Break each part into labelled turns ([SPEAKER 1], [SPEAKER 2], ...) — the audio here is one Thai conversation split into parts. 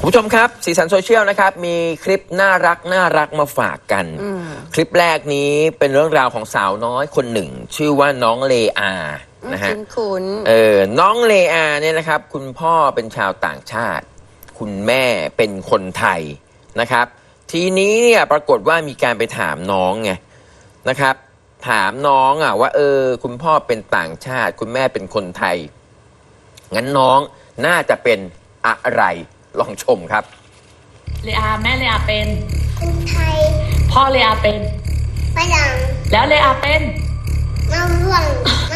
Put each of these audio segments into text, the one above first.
[SPEAKER 1] คุณผู้ชมครับสีสันโซเชียลนะครับมีคลิปน่ารักมาฝากกันคลิปแรกนี้เป็นเรื่องราวของสาวน้อยคนหนึ่งชื่อว่าน้องเลอานะฮะน้องเลอาเนี่ยนะครับคุณพ่อเป็นชาวต่างชาติคุณแม่เป็นคนไทยนะครับทีนี้เนี่ยปรากฏว่ามีการไปถามน้องไงนะครับถามน้องว่าคุณพ่อเป็นต่างชาติคุณแม่เป็นคนไทยงั้นน้องน่าจะเป็นอะไรลองชมครับ
[SPEAKER 2] เลอาแม่เลอาเป็น
[SPEAKER 3] คนไทย
[SPEAKER 2] พ่อเลอาเป็น
[SPEAKER 3] ฝรั่ง
[SPEAKER 2] แล้วเลอาเป็น
[SPEAKER 3] มะม่วง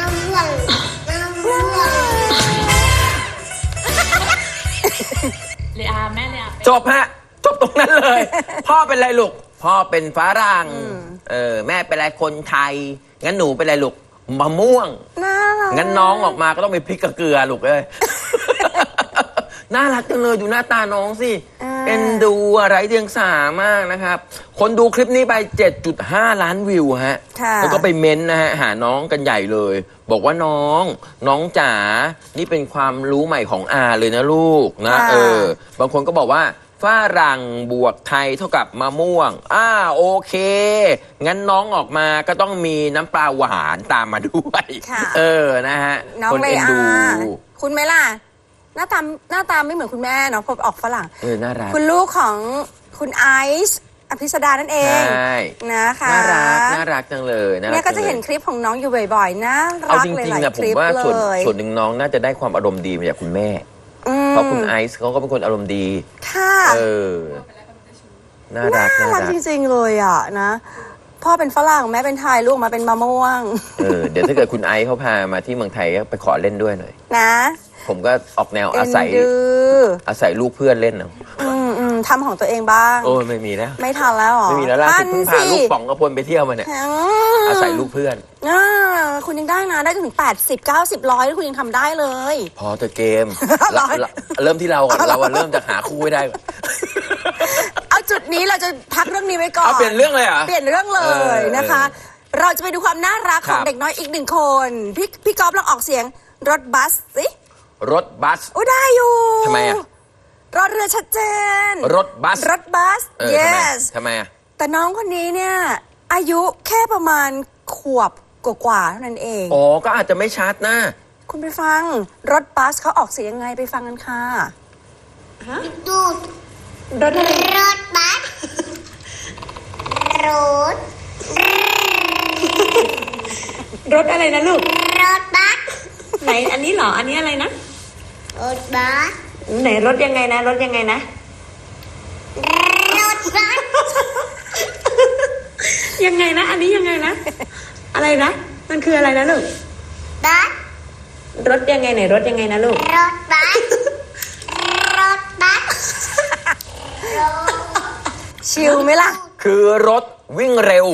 [SPEAKER 2] เลอาแม่เลอา
[SPEAKER 1] จบฮะจบตรงนั้นเลยพ่อเป็นอะไรลูกพ่อเป็นฝรั่งแม่เป็นอะไรคนไทยงั้นหนูเป็นอะไรลูกมะม่วงงั้นน้องออกมาก็ต้องเป็นพริกกับเกลือลูกเลยน่ารักจังเลยดูหน้าตาน้องสิเป็นดูอะไรเดียงสามากนะครับคนดูคลิปนี้ไป 7.5 ล้านวิวฮะแล้วก็ไปเม้นนะฮะหาน้องกันใหญ่เลยบอกว่าน้องจ๋านี่เป็นความรู้ใหม่ของอาเลยนะลูกนะบางคนก็บอกว่าฝรั่งบวกไทยเท่ากับมะม่วงโอเคงั้นน้องออกมาก็ต้องมีน้ำปลาหวานตามมาด้วยนะฮะ
[SPEAKER 4] คนเอ็นดูคุณไหมล่ะหน้าตาไม่เหมือนคุณแม่เนาะพอออกฝรั่ง
[SPEAKER 1] น่ารัก
[SPEAKER 4] คุณลูกของคุณไอซ์อภิสดานั่นเองนะคะ
[SPEAKER 1] น่ารักจังเลย
[SPEAKER 4] เนี่ยก็จะเห็นคลิปของน้องอยู่บ่อยๆนะรักเลยหลายคลิปเลย
[SPEAKER 1] ส่วนหนึ่งน้องน่าจะได้ความอารมณ์ดีมาจากคุณแม่เพราะคุณไอซ์เขาก็เป็นคนอารมณ์ดี
[SPEAKER 4] ค่ะ
[SPEAKER 1] น่ารัก
[SPEAKER 4] จริงๆเลยนะพ่อเป็นฝรั่งแม่เป็นไทยลูกมาเป็นมะม่วง
[SPEAKER 1] เดี๋ยวถ้าเกิดคุณไอซ์เขาพามาที่เมืองไทยก็ไปขอเล่นด้วยหน่อย
[SPEAKER 4] นะ
[SPEAKER 1] ผมก็ออกแนวอาศัยลูกเพื่อนเล่นเนาะ
[SPEAKER 4] ทำของตัวเองบ้าง
[SPEAKER 1] ไม่มีแล้ว
[SPEAKER 4] ไม่ทันแล้วหรอ
[SPEAKER 1] ไม่มีแล้วล่ะเพิ่งพาลูกป๋องกระพลไปเที่ยวมาเนี่ยอาศัยลูกเพื่อน
[SPEAKER 4] คุณยังได้นะได้ถึง80 90 100คุณยังทำได้เลย
[SPEAKER 1] พอแต่เกมเริ่มที่เราก่อนเราเริ่มจะหาคู่ไม่ได้
[SPEAKER 4] เอาจุดนี้เราจะพักเรื่องนี้ไว้ก่อน
[SPEAKER 1] เปลี่ยนเรื่องเลยเหรอ
[SPEAKER 4] เปลี่ยนเรื่องเลยนะคะเราจะไปดูความน่ารักของเด็กน้อยอีกหนึ่งคนพี่ก๊อฟลองออกเสียงรถบัสสิ
[SPEAKER 1] รถบัส
[SPEAKER 4] ได้อยู่
[SPEAKER 1] ทำไม
[SPEAKER 4] รอเรือชัดเจน
[SPEAKER 1] รถบัส
[SPEAKER 4] yes
[SPEAKER 1] ทำไม
[SPEAKER 4] แต่น้องคนนี้เนี่ยอายุแค่ประมาณขวบกว่าเท่านั้นเอง
[SPEAKER 1] ก็อาจจะไม่ชัดนะ
[SPEAKER 4] คุณไปฟังรถบัสเขาออกเสียงยังไงไปฟังกันค่ะ
[SPEAKER 3] ดูรถบัส
[SPEAKER 2] รถอะไรนะลูก
[SPEAKER 3] รถบัส
[SPEAKER 2] ไหนอันนี้เหรออันนี้อะไรนะ
[SPEAKER 3] รถบัส
[SPEAKER 2] ไหนรถยังไงนะรถยังไงนะ
[SPEAKER 3] รถบัส
[SPEAKER 2] ยังไงนะอันนี้ยังไงนะอะไรนะมันคืออะไรนะลูก
[SPEAKER 3] บัส
[SPEAKER 2] รถยังไงไหนรถยังไงนะลูก
[SPEAKER 3] รถบัส
[SPEAKER 4] ชิลไหมล่ะ
[SPEAKER 1] คือรถวิ่งเร็ว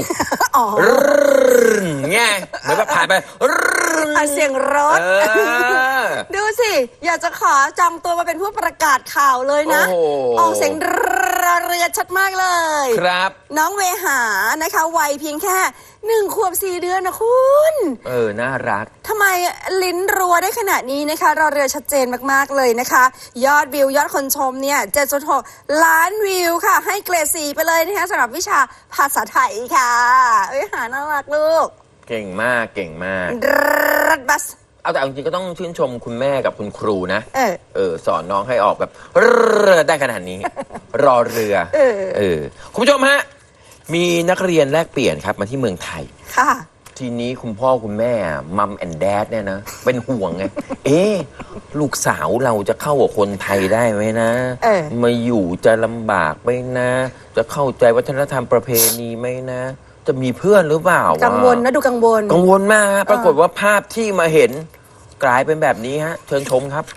[SPEAKER 1] ไงเหมือนแบบผ่านไป
[SPEAKER 4] เสียงรถดูสิอยากจะขอจองตัวมาเป็นผู้ประกาศข่าวเลยนะออกเสียงเรือชัดมากเลย
[SPEAKER 1] ครับ
[SPEAKER 4] น้องเวหานะคะวัยเพียงแค่1 ขวบ 4 เดือนนะคุณ
[SPEAKER 1] น่ารัก
[SPEAKER 4] ทำไมลิ้นรัวได้ขนาดนี้นะคะเราเรือชัดเจนมากๆเลยนะคะยอดวิวยอดคนชมเนี่ย 7.6 ล้านวิวค่ะให้เกรด 4ไปเลยนะคะสำหรับวิชาภาษาไทยค่ะเวหาน่ารักลูก
[SPEAKER 1] เก่งมาก
[SPEAKER 4] รถบัส
[SPEAKER 1] แต่จริงๆก็ต้องชื่นชมคุณแม่กับคุณครูนะสอนน้องให้ออกแบบได้ขนาดนี้รอเรือคุณผู้ชมฮะมีนักเรียนแลกเปลี่ยนครับมาที่เมืองไทย
[SPEAKER 4] ค่ะ
[SPEAKER 1] ทีนี้คุณพ่อคุณแม่มัมแอนด์แดดเนี่ยนะเป็นห่วงไงลูกสาวเราจะเข้ากับคนไทยได้ไหมนะมาอยู่จะลำบากไหมนะจะเข้าใจวัฒนธรรมประเพณีไหมนะจะมีเพื่อนหรือเปล่า
[SPEAKER 4] กังวลนะดูกังว
[SPEAKER 1] ลมากปรากฏว่าภาพที่มาเห็นกลายเป็นแบบนี้ฮะเชิญชมครับ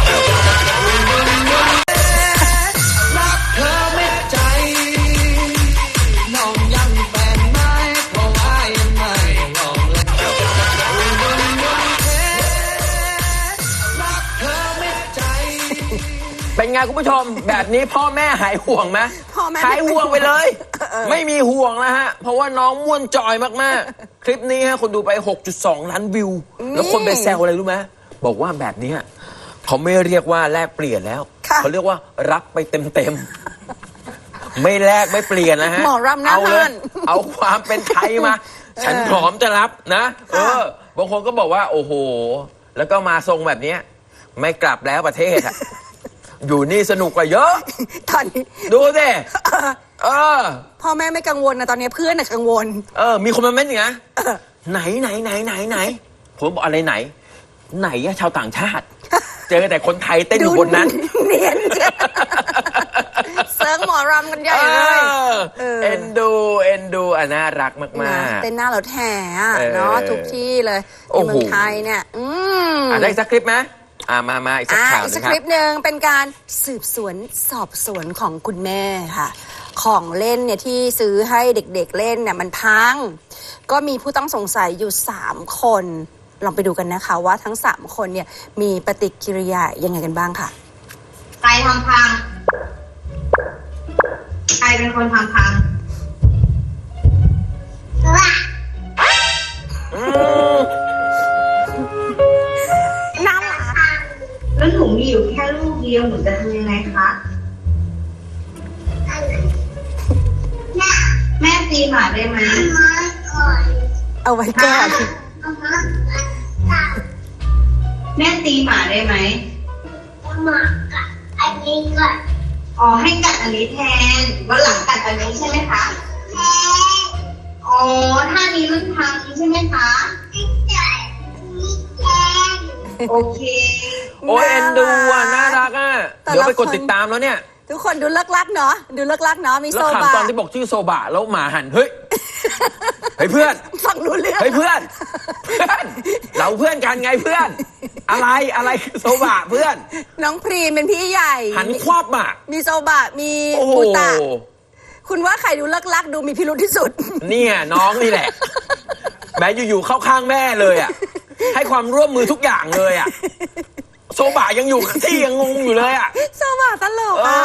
[SPEAKER 1] เป็นไงคุณผู้ชมแบบนี้พ่อแม่หายห่วงไหมหายห่วงไปเลยไม่มีห่วงแล้วฮะเพราะว่าน้องม่วนจอยมากๆคลิปนี้ฮะคนดูไป 6.2 ล้านวิวแล้วคนไปแซวอะไรรู้ไหมบอกว่าแบบนี้เขาไม่เรียกว่าแลกเปลี่ยนแล้วเขาเรียกว่ารับไปเต็มๆไม่แลกไม่เปลี่ยนนะฮะ
[SPEAKER 4] หมอรำหน้า
[SPEAKER 1] เอาเล
[SPEAKER 4] ห้าย น
[SPEAKER 1] เอาความเป็นไทยมา ฉันพร้อมจะรับนะบางคนก็บอกว่าโอ้โหแล้วก็มาทรงแบบเนี้ยไม่กลับแล้วประเทศอะ อยู่นี่สนุกกว่าเยอะ
[SPEAKER 4] ตอนนี้
[SPEAKER 1] ดูสิ
[SPEAKER 4] พ่อแม่ไม่กังวลนะตอนนี้เพื่อนน่ะกังวล
[SPEAKER 1] มีคนมาเม้นอย่างนี้ไหนผมบอกอะไรไหนอะชาวต่างชาติ เจอแต่คนไทยเต้นอยู่บนนั้น
[SPEAKER 4] เนียนจ้ะเซิร์ฟหมอรำกันใหญ่เลย
[SPEAKER 1] เอ็นดูน่ารักมากๆ
[SPEAKER 4] เต้นหน้ารถแห่อะเนาะทุกที่เลยในเมืองไทยเนี่ย
[SPEAKER 1] ได้สักคลิปไหมมาอีกสักข่าว
[SPEAKER 4] อีก
[SPEAKER 1] นึ
[SPEAKER 4] สั
[SPEAKER 1] ง
[SPEAKER 4] ก
[SPEAKER 1] ครั
[SPEAKER 4] ค
[SPEAKER 1] บ
[SPEAKER 4] ลิปหนึ่งเป็นการสืบสวนสอบสวนของคุณแม่ค่ะ ของเล่นเนี่ยที่ซื้อให้เด็กๆเล่นเนี่ยมันพัง ก็มีผู้ต้องสงสัยอยู่3คนลองไปดูกันนะคะว่าทั้ง3คนเนี่ยมีปฏิกิริยายังไงกันบ้างค่ะ
[SPEAKER 5] ใครทำพัง ใครเป็นคนทำพัง
[SPEAKER 4] น่ารัก
[SPEAKER 5] แล้วหนูมีอยู่แค่ลูกเดียวหนูจะทำยังไงคะ แม่ตีหมาได้ไหม
[SPEAKER 4] เอาไว้ก่อน
[SPEAKER 5] แม่ตีหมาได้ไหม
[SPEAKER 3] มากับอันนี้ก่อน
[SPEAKER 5] อ๋อให้กัดอันนี้แทนวันหลังกัดอันนี้ใช่ไหมคะ อ๋อถ้ามีรุ่นพังใช่ไหมคะ โอเค
[SPEAKER 1] โอ้ยเอ็นดูน่ารักเดี๋ยวไปกดติดตามแล้วเนี่ย
[SPEAKER 4] ทุกคนดูเลิกลักเนาะดูเลิกลักเนาะมี
[SPEAKER 1] แล้
[SPEAKER 4] โซ
[SPEAKER 1] ว
[SPEAKER 4] บะ
[SPEAKER 1] ขำตอนที่บอกชื่อโซบะแล้วหมาหันเฮ้ย เฮ้ยเพื่อน
[SPEAKER 4] ฟังรู้เรื่อง
[SPEAKER 1] เฮ้ยเพื่อน เราเพื่อนกันไงเพื่อน อะไรคือโซบะเพื่อน
[SPEAKER 4] น้องพรีมเป็นพี่ใหญ่
[SPEAKER 1] หันควับอ่ะ
[SPEAKER 4] มีโซบะมี
[SPEAKER 1] โอ้โห
[SPEAKER 4] ปูตะคุณว่าใครดูเลิกลักดูมีพิรุธที่สุด
[SPEAKER 1] เนี่ยน้องนี่แหละแม้อยู่ๆเข้าข้างแม่เลยอ่ะให้ความร่วมมือทุกอย่างเลยอ่ะโซบะยังอยู่ที่ยังงงอยู่เลยอ่ะ
[SPEAKER 4] โซบะตลกอ่ะ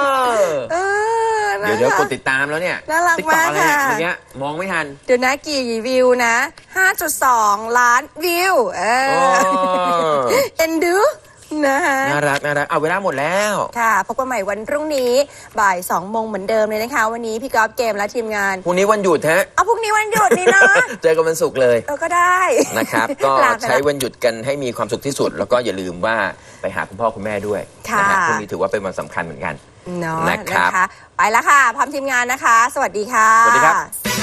[SPEAKER 1] เดี๋ยวกดติดตามแล้วเนี่ย
[SPEAKER 4] น่ารัก
[SPEAKER 1] TikTok
[SPEAKER 4] มาก
[SPEAKER 1] อะไรเนี่ย
[SPEAKER 4] ค่ะ
[SPEAKER 1] เมื่อกี้มองไม่ทัน
[SPEAKER 4] เดี๋ยวนะกี่วิวนะ 5.2 ล้านวิวเอ็นดูนะคะ
[SPEAKER 1] น่ารักเอาเวลาหมดแล้ว
[SPEAKER 4] ค่ะพบกันใหม่วันพรุ่งนี้บ่าย 2 โมงเหมือนเดิมเลยนะคะ วันนี้พี่กอล์ฟเกมและทีมงาน
[SPEAKER 1] พรุ่งนี้วันหยุดฮะ
[SPEAKER 4] เอาพรุ่งนี้วันหยุดนี่นะ
[SPEAKER 1] เจอกันวันศุกร์เลย
[SPEAKER 4] ก็ได้
[SPEAKER 1] นะครับ ก็
[SPEAKER 4] ลาไปละ
[SPEAKER 1] ใช้วันหยุดกันให้มีความสุขที่สุด แล้วก็อย่าลืมว่าไปหาคุณพ่อคุณแม่ด้วย
[SPEAKER 4] ค่ะ
[SPEAKER 1] นะฮะพรุ่งนี้ถือว่าเป็นวันสำคัญเหมือนกัน
[SPEAKER 4] เนาะ
[SPEAKER 1] นะครับ
[SPEAKER 4] ไปแล้วค่ะพร้อมทีมงานนะคะ สวัสดีค่ะ
[SPEAKER 1] สวัสดีครับ